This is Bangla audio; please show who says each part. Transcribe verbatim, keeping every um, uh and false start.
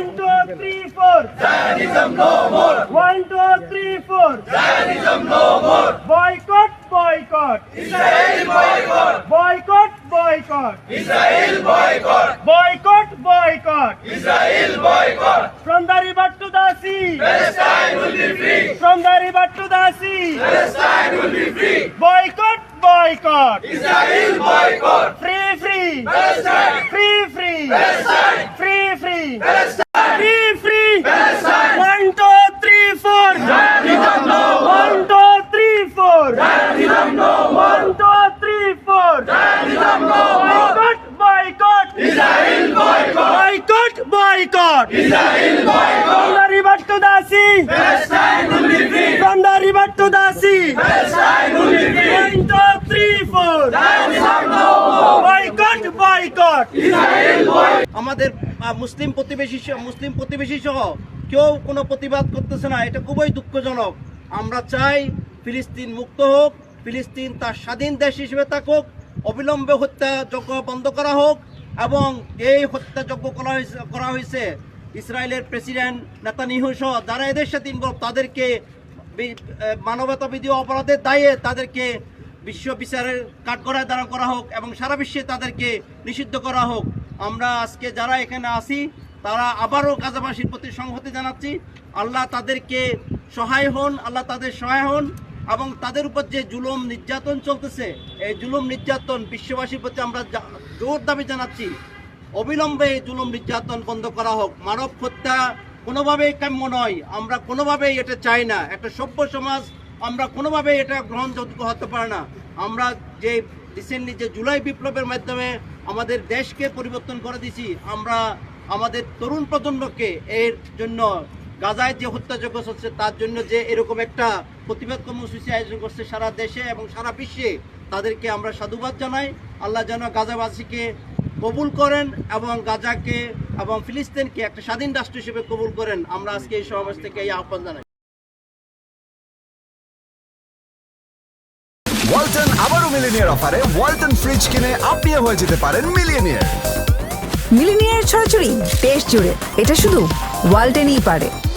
Speaker 1: One, two, three, four.
Speaker 2: Zionism no more.
Speaker 1: One, two, three, four.
Speaker 2: Zionism no more.
Speaker 1: Boycott, boycott.
Speaker 2: Israel boycott.
Speaker 1: Boycott, boycott.
Speaker 2: Israel boycott.
Speaker 1: Boycott, boycott.
Speaker 2: Israel boycott.
Speaker 1: From the river to the sea.
Speaker 2: Palestine will be free.
Speaker 1: From the river to the sea.
Speaker 2: Palestine will be free.
Speaker 1: Boycott, boycott.
Speaker 2: Israel boycott.
Speaker 1: Free, free.
Speaker 2: Palestine.
Speaker 1: Free, free.
Speaker 2: Palestine.
Speaker 1: Free, free.
Speaker 2: Palestine.
Speaker 1: Free, free.
Speaker 2: Palestine.
Speaker 1: One, two, three, four.
Speaker 2: Zionism no more.
Speaker 1: One, two, three, four.
Speaker 2: Zionism no more.
Speaker 1: One, two, three, four.
Speaker 2: Zionism no more.
Speaker 1: Boycott, boycott.
Speaker 2: Israel boycott.
Speaker 1: Boycott, boycott.
Speaker 2: Israel boycott.
Speaker 1: From the river to the sea.
Speaker 2: Palestine will be free.
Speaker 1: From the river to the sea.
Speaker 2: Palestine will be free.
Speaker 1: One, two, three, four.
Speaker 2: Zionism no more.
Speaker 1: Boycott, boycott.
Speaker 2: Israel boycott.
Speaker 3: আমাদের আহ, মুসলিম প্রতিবেশী সহ- মুসলিম প্রতিবেশী সহ কেউ কোনো প্রতিবাদ করতেছে না, এটা খুবই দুঃখজনক। আমরা চাই ফিলিস্তিন মুক্ত হোক, ফিলিস্তিন তার স্বাধীন দেশ হিসেবে থাকুক, অবিলম্বে হত্যাযজ্ঞ বন্ধ করা হোক এবং এই হত্যাযজ্ঞ করা হয়েছে করা হয়েছে ইসরায়েলের প্রেসিডেন্ট নেতানিয়াহু সহ যারা এদের সাথে ইনভলভ তাদেরকে বি- আহ, মানবতাবিধি অপরাধের দায়ে তাদেরকে বিশ্ব বিচারের কাঠগড়ায় দাঁড়া করা হোক এবং সারা বিশ্বে তাদেরকে নিষিদ্ধ করা হোক। আমরা আজকে যারা এখানে আছি তারা আবারও গাজাবাসীর প্রতি সংহতি জানাচ্ছি। আল্লাহ তাদেরকে সহায় হন, আল্লাহ তাদের সহায় হন এবং তাদের উপর যে জুলুম নির্যাতন চলতেছে এই জুলুম নির্যাতন বিশ্ববাসীর প্রতি আমরা জা- জোর দাবি জানাচ্ছি অবিলম্বে এই জুলুম নির্যাতন বন্ধ করা হোক। মানব হত্যা কোনোভাবেই কাম্য নয়, আমরা কোনোভাবেই এটা চাই না। একটা সভ্য সমাজ আমরা কোনোভাবেই এটা গ্রহণযোগ্য হতে পারে না। আমরা যে রিসেন্টলি যে জুলাই বিপ্লবের মাধ্যমে আমাদের দেশকে পরিবর্তন করে দিয়েছি, আমরা আমাদের তরুণ প্রজন্মকে এর জন্য গাজায় যে হত্যাযজ্ঞ চলছে তার জন্য যে এরকম একটা প্রতিবাদ কর্মসূচি আয়োজন করছে সারা দেশে এবং সারা বিশ্বে, তাদেরকে আমরা সাধুবাদ জানাই। আল্লাহ যেন গাজাবাসীকে কবুল করেন এবং গাজাকে এবং ফিলিস্তিনকে একটা স্বাধীন রাষ্ট্র হিসেবে কবুল করেন। আমরা আজকে এই সমাবেশ থেকে এই আহ্বান জানাই।
Speaker 4: ওয়ালটন আবারও মিলিনিয়ার অফারে ওয়ালটন ফ্রিজ কিনে আপনিও হয়ে যেতে পারেন মিলিয়নিয়ার।
Speaker 5: মিলিনিয়ার ছড়াছড়ি দেশ জুড়ে, এটা শুধু ওয়ালটেনই পারে।